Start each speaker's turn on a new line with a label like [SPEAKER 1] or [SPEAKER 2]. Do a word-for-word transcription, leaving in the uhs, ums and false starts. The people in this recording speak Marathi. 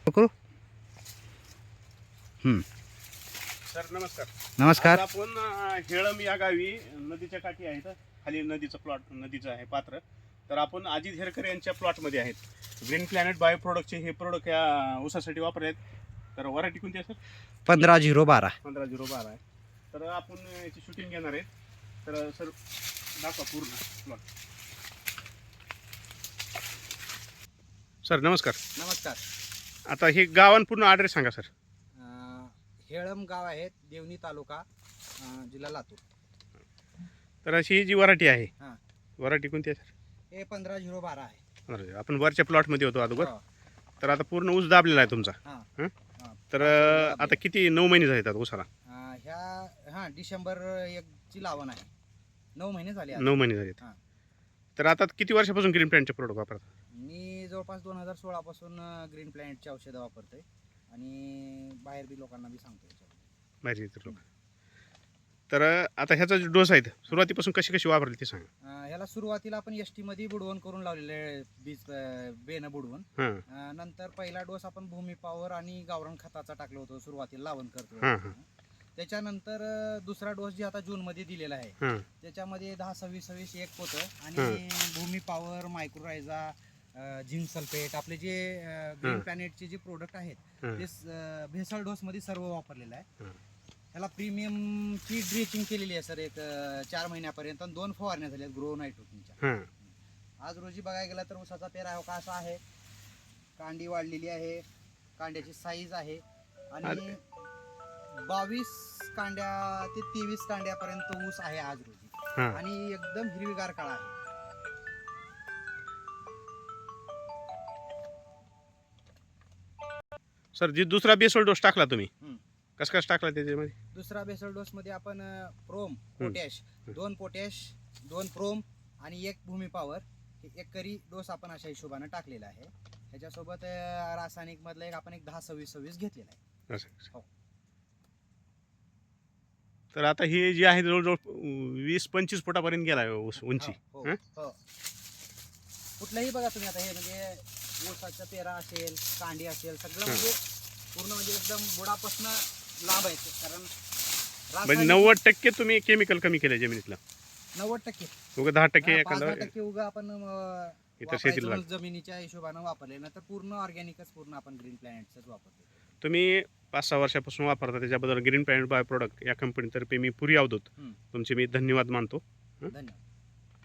[SPEAKER 1] करू. हं.
[SPEAKER 2] सर नमस्कार.
[SPEAKER 1] नमस्कार.
[SPEAKER 2] आज आपण अ, हेळम या गावी नदीच्या काठी आहेत, खाली नदीचं प्लॉट नदीचं आहे पात्र. तर आपण अजित हेरकर यांच्या प्लॉटमध्ये आहेत. ग्रीन प्लॅनेट बायो प्रोडक्टचे हे प्रोडक्ट या ऊसासाठी वापरले आहेत. तर वरायटी कोणती आहे सर?
[SPEAKER 1] पंधरा झिरो बारा.
[SPEAKER 2] पंधरा झिरो बारा आहे. तर आपण याची शूटिंग घेणार आहेत. तर सर दाखवा पूर्ण प्लॉट. सर नमस्कार.
[SPEAKER 3] नमस्कार.
[SPEAKER 2] आता हे गावान पूर्ण ॲड्रेस सांगा सर.
[SPEAKER 3] अं, हेळम गाव आहे, देवणी तालुका, अं, जिल्हा लातूर.
[SPEAKER 2] तर अशी ही जी वरायटी आहे,
[SPEAKER 3] हां.
[SPEAKER 2] वरायटी कोणती आहे सर?
[SPEAKER 3] हे पंधरा झिरो बारा आहे.
[SPEAKER 2] पंधरा. आपण वरच्या प्लॉटमध्ये होतो अगोदर.
[SPEAKER 3] हो.
[SPEAKER 2] तर आता पूर्ण ऊस दाबलेला आहे तुमचा.
[SPEAKER 3] हां.
[SPEAKER 2] हं?
[SPEAKER 3] हां.
[SPEAKER 2] तर अ, आता किती नऊ महिने झाले आहेत ऊसाला?
[SPEAKER 3] अं, ह्या हां डिसेंबर एकची लावण आहे. नऊ महिने झाले आता.
[SPEAKER 2] नऊ महिने झाले आहेत.
[SPEAKER 3] हां.
[SPEAKER 2] तर आता किती वर्षापासून ग्रीन प्लॅनचे प्रोडक्ट वापरतात?
[SPEAKER 3] मी जवळपास दोन हजार सोळापासून ग्रीन प्लॅनेटची औषधं वापरतोय आणि बाहेर बी लोकांना बी सांगतो याच्यावर.
[SPEAKER 2] बाहेर इतर लोक. तर अ, आता ह्याचा जो डोस आहे सुरुवातीपासून कशी कशी वापरली ते सांगा.
[SPEAKER 3] अं, ह्याला सुरुवातीला आपण एस टीमध्ये बुडवण करून लावलेले बीज अं, बेनं बुडवून.
[SPEAKER 2] हां
[SPEAKER 3] अं, नंतर पहिला डोस आपण भूमी पॉवर आणि गावरान खताचा टाकलं होतं सुरुवातीला लावण करतो.
[SPEAKER 2] हां हां
[SPEAKER 3] त्याच्यानंतर अं, दुसरा डोस जे आता जूनमध्ये दिलेला आहे
[SPEAKER 2] हां
[SPEAKER 3] त्याच्यामध्ये दहा सव्वीस सव्वीस एक होतं आणि भूमी पॉवर, मायक्रोरायझा, झिंक सल्फेट, आपले जे ग्रीन
[SPEAKER 2] हं.
[SPEAKER 3] प्लॅनेटचे जे प्रोडक्ट आहेत
[SPEAKER 2] हं.
[SPEAKER 3] ते स- भेसळ डोसमध्ये सर्व वापरलेलं आहे.
[SPEAKER 2] हं.
[SPEAKER 3] ह्याला प्रीमियमची ड्रेचिंग केलेली आहे सर एक अं, चार महिन्यापर्यंत आणि दोन फवारण्या झाल्या ग्रो नायट्रोजनच्या.
[SPEAKER 2] हां.
[SPEAKER 3] आज रोजी बघायला गेला तर ऊसाचा पेरा हो का असा आहे, कांडी वाढलेली आहे, कांड्याची साईज आहे आणि बावीस कांड्या ते तेवीस कांड्यापर्यंत ऊस आहे आज रोजी
[SPEAKER 2] हां.
[SPEAKER 3] आणि एकदम हिरवीगार काळा आहे.
[SPEAKER 2] सर जी दुसरा बेसोल डोस टाकला तुम्ही,
[SPEAKER 3] हं.
[SPEAKER 2] कसं कसं टाकला त्याच्यामध्ये?
[SPEAKER 3] दुसरा बेसल डोस मध्ये आपण अं, प्रोम पोटॅश, दोन पोटॅश, दोन प्रोम आणि एक भूमी पॉवर हे एक करी डोस आपण अशा हिशोबाने टाकलेला आहे. ह्याच्यासोबत अं, रासायनिक मधलं एक आपण एक दहा सव्वीस सव्वीस घेतलेला आहे.
[SPEAKER 2] असं असं.
[SPEAKER 3] हो.
[SPEAKER 2] तर आता हे जे आहे जवळजवळ अ, वीस पंचवीस फुटापर्यंत गेला आहे ऊस उंची.
[SPEAKER 3] हो,
[SPEAKER 2] हं?
[SPEAKER 3] हो. कुठलंही बघा तुम्ही आता हे म्हणजे ऊसाचा पेरा असेल, कांडी असेल, सगळं
[SPEAKER 2] हं.
[SPEAKER 3] म्हणजे पूर्ण म्हणजे एकदम बुडापासून लांब आहे ते. कारण
[SPEAKER 2] म्हणजे
[SPEAKER 3] रासायनिक-
[SPEAKER 2] नव्वद टक्के तुम्ही केमिकल कमी केलं जमिनीतलं.
[SPEAKER 3] नव्वद टक्के
[SPEAKER 2] उगा दहा टक्के
[SPEAKER 3] हा, पाच
[SPEAKER 2] एखादा
[SPEAKER 3] दहा टक्के उगा आपण अं,
[SPEAKER 2] इतर शेतीला
[SPEAKER 3] वापरायचं
[SPEAKER 2] लागतं.
[SPEAKER 3] जमिनीच्या हिशोबानं वापरले ना तर पूर्ण ऑर्गॅनिकच पूर्ण आपण ग्रीन प्लॅनेटच वापरतो.
[SPEAKER 2] तुम्ही पाच सहा वर्षापासून वापरता त्याच्याबद्दल ग्रीन प्लॅनेट बाय प्रोडक्ट या कंपनीतर्फे मी पुरी अवधूत
[SPEAKER 3] हं.
[SPEAKER 2] तुमचे मी धन्यवाद मानतो.
[SPEAKER 3] धन्यवाद.